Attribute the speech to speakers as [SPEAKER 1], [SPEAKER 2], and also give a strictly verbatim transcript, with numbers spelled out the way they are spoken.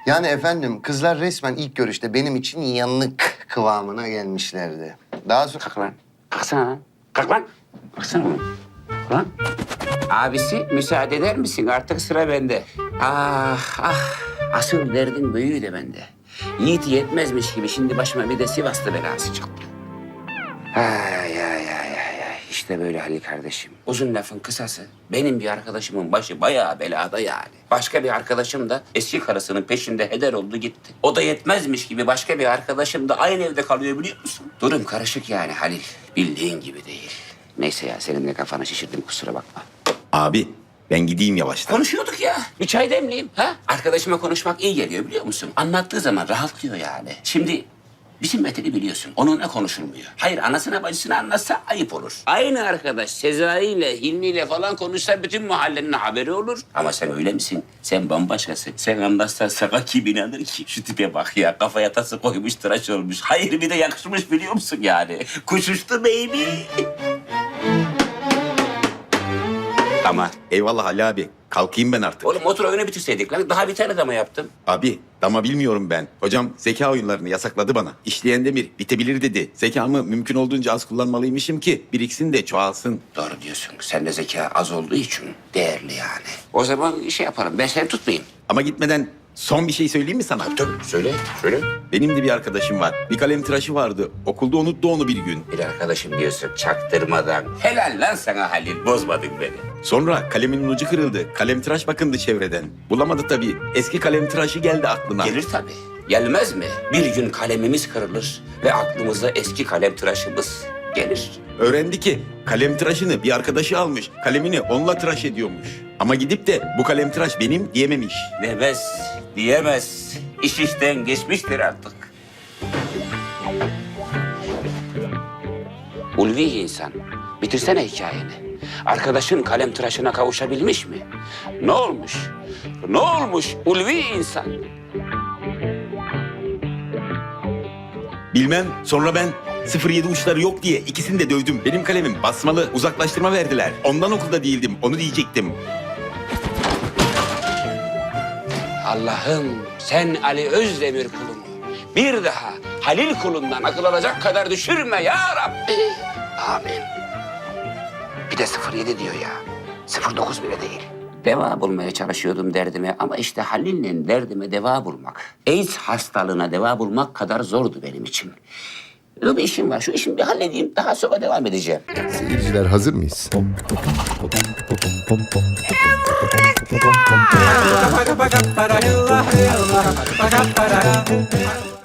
[SPEAKER 1] Yani efendim kızlar resmen ilk görüşte benim için yanık kıvamına gelmişlerdi. Daha sonra...
[SPEAKER 2] Kalk lan. Kalksana lan. Kalk lan. Kalksana lan. Lan. Abisi müsaade eder misin? Artık sıra bende. Ah ah. Asıl derdin büyüğü de bende. Yiğit yetmezmiş gibi şimdi başıma bir de Sivaslı belası çıktı. Ay ay ay ay ay. İşte böyle Halil kardeşim. Uzun lafın kısası. Benim bir arkadaşımın başı bayağı belada yani. Başka bir arkadaşım da eski karısının peşinde heder oldu gitti. O da yetmezmiş gibi başka bir arkadaşım da aynı evde kalıyor biliyor musun? Durum karışık yani Halil. Bildiğin gibi değil. Neyse ya senin de kafanı şişirdim kusura bakma.
[SPEAKER 3] Abi ben gideyim yavaştan.
[SPEAKER 2] Konuşuyorduk ya. Bir çay demleyeyim ha? Arkadaşıma konuşmak iyi geliyor biliyor musun? Anlattığı zaman rahatlıyor yani. Şimdi bizim Metin'i biliyorsun. Onunla konuşulmuyor. Hayır anasına bacısına anlatsa ayıp olur. Aynı arkadaş Sezai ile Hilmi ile falan konuşsa bütün mahallenin haberi olur. Ama sen öyle misin? Sen bambaşkasın. Sen anlatsan sana kim inanır ki? Şu tipe bak ya. Kafaya tası koymuş tıraş olmuş. Hayır bir de yakışmış biliyor musun yani? Kuş uçtu baby. Ama
[SPEAKER 3] Eyvallah Ali abi. Kalkayım ben artık.
[SPEAKER 2] oğlum motor oyunu bitirseydik lan. Daha bir tane dama yaptım.
[SPEAKER 3] Abi dama bilmiyorum ben. Hocam zeka oyunlarını yasakladı bana. İşleyen demir bitebilir dedi. Zekamı mümkün olduğunca az kullanmalıymışım ki biriksin de çoğalsın.
[SPEAKER 2] Doğru diyorsun. Sende zeka az olduğu için değerli yani. O zaman şey yapalım. Ben seni tutmayayım.
[SPEAKER 3] Ama gitmeden son bir şey söyleyeyim mi sana?
[SPEAKER 2] Tabii söyle. Söyle.
[SPEAKER 3] Benim de bir arkadaşım var. Bir kalem tıraşı vardı. Okulda unuttu onu bir gün.
[SPEAKER 2] Bir arkadaşım diyorsun çaktırmadan. Helal lan sana Halil. Bozmadın beni.
[SPEAKER 3] Sonra kalemin ucu kırıldı. Kalem tıraş bakındı çevreden. Bulamadı tabii. Eski kalem tıraşı geldi aklına.
[SPEAKER 2] Gelir tabii. Gelmez mi? Bir gün kalemimiz kırılır ve aklımıza eski kalem tıraşımız gelir.
[SPEAKER 3] Öğrendi ki kalem tıraşını bir arkadaşı almış. Kalemini onunla tıraş ediyormuş. Ama gidip de bu kalem tıraş benim diyememiş.
[SPEAKER 2] Demez, diyemez. İş işten geçmiştir artık. Ulvi insan, bitirsene hikayeni. Arkadaşın kalem tıraşına kavuşabilmiş mi? Ne olmuş? Ne olmuş ulvi insan?
[SPEAKER 3] Bilmem. Sonra ben sıfır yedi uçları yok diye ikisini de dövdüm. Benim kalemim basmalı uzaklaştırma verdiler. Ondan okulda değildim. Onu diyecektim.
[SPEAKER 2] Allah'ım sen Ali Özdemir kulunu bir daha Halil kulundan akıl alacak kadar düşürme ya Rabbi. Amin. Bir de sıfır yedi diyor ya. sıfır dokuz bile değil. Deva bulmaya çalışıyordum derdime ama işte Halil'le derdime deva bulmak, AIDS hastalığına deva bulmak kadar zordu benim için. Öyle bir işim var. Şu işimi bir halledeyim. Daha sonra devam edeceğim.
[SPEAKER 4] Seyirciler hazır mıyız?
[SPEAKER 5] Para